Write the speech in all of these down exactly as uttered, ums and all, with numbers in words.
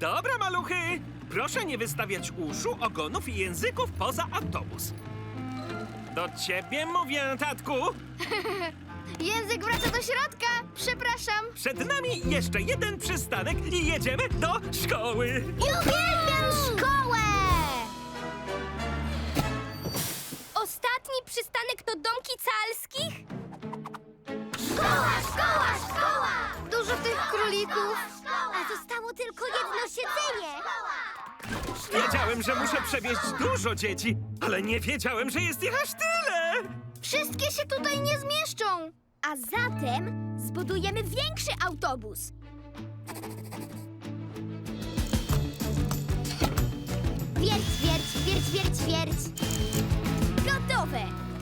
Dobra, maluchy. Proszę nie wystawiać uszu, ogonów i języków poza autobus. Do ciebie mówię, tatku. Język wraca do środka. Przepraszam. Przed nami jeszcze jeden przystanek i jedziemy do szkoły. Uwielbiam szkołę! Ostatni przystanek to domki calskich? Szkoła, szkoła, szkoła! Dużo tych królików. A zostało tylko jedno siedzenie. Wiedziałem, że muszę przewieźć dużo dzieci, ale nie wiedziałem, że jest ich aż tyle. Wszystkie się tutaj nie zmieszczą. A zatem zbudujemy większy autobus. Wierć, wierć, wierć, wierć, wierć. Gotowe!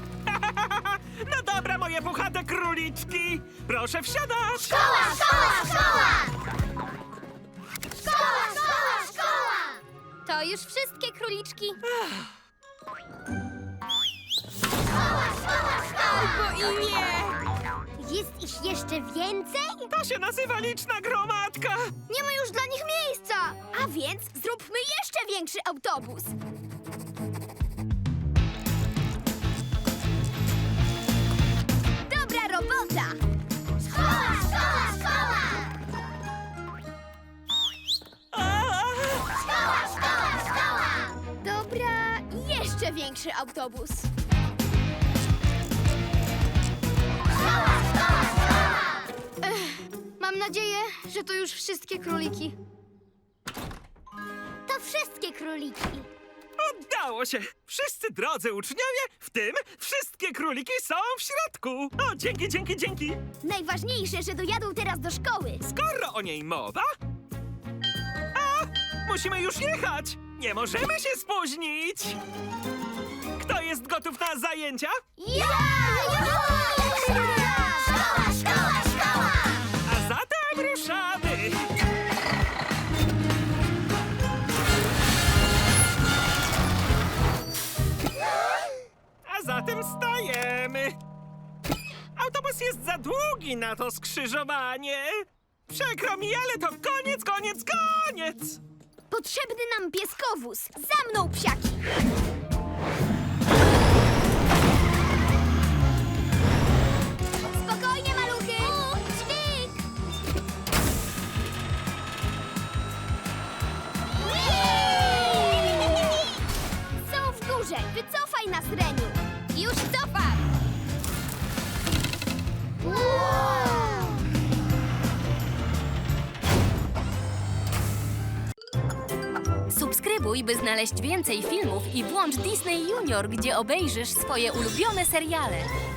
No dobra, moje puchate króliczki. Proszę wsiadać. Szkoła, szkoła, szkoła! Szkoła, szkoła, szkoła! To już wszystkie króliczki. Szkoła, szkoła, szkoła! Albo i nie! Jest ich jeszcze więcej? To się nazywa liczna gromadka. Nie ma już dla nich miejsca. A więc zróbmy jeszcze większy autobus. Dobra robota! Szkoła, szkoła, szkoła! A! Szkoła, szkoła, szkoła! Dobra, jeszcze większy autobus. Szkoła, szkoła, szkoła! Ech, mam nadzieję, że to już wszystkie króliki. To wszystkie króliki. Udało się! Wszyscy drodzy uczniowie, w tym wszystkie króliki są w środku. O, dzięki, dzięki, dzięki. Najważniejsze, że dojadą teraz do szkoły. Skoro o niej mowa... A, musimy już jechać! Nie możemy się spóźnić! Kto jest gotów na zajęcia? Ja! Szkoła, szkoła, szkoła! A zatem ruszamy! A zatem stajemy! Autobus jest za długi na to skrzyżowanie! Przykro mi, ale to koniec, koniec, koniec! Potrzebny nam pieskowóz. Za mną, psiaki! Spokojnie, maluchy! Dźwig! Są w górze. Wycofaj nas, Reniu. Już cofam! Subskrybuj, by znaleźć więcej filmów i włącz Disney Junior, gdzie obejrzysz swoje ulubione seriale.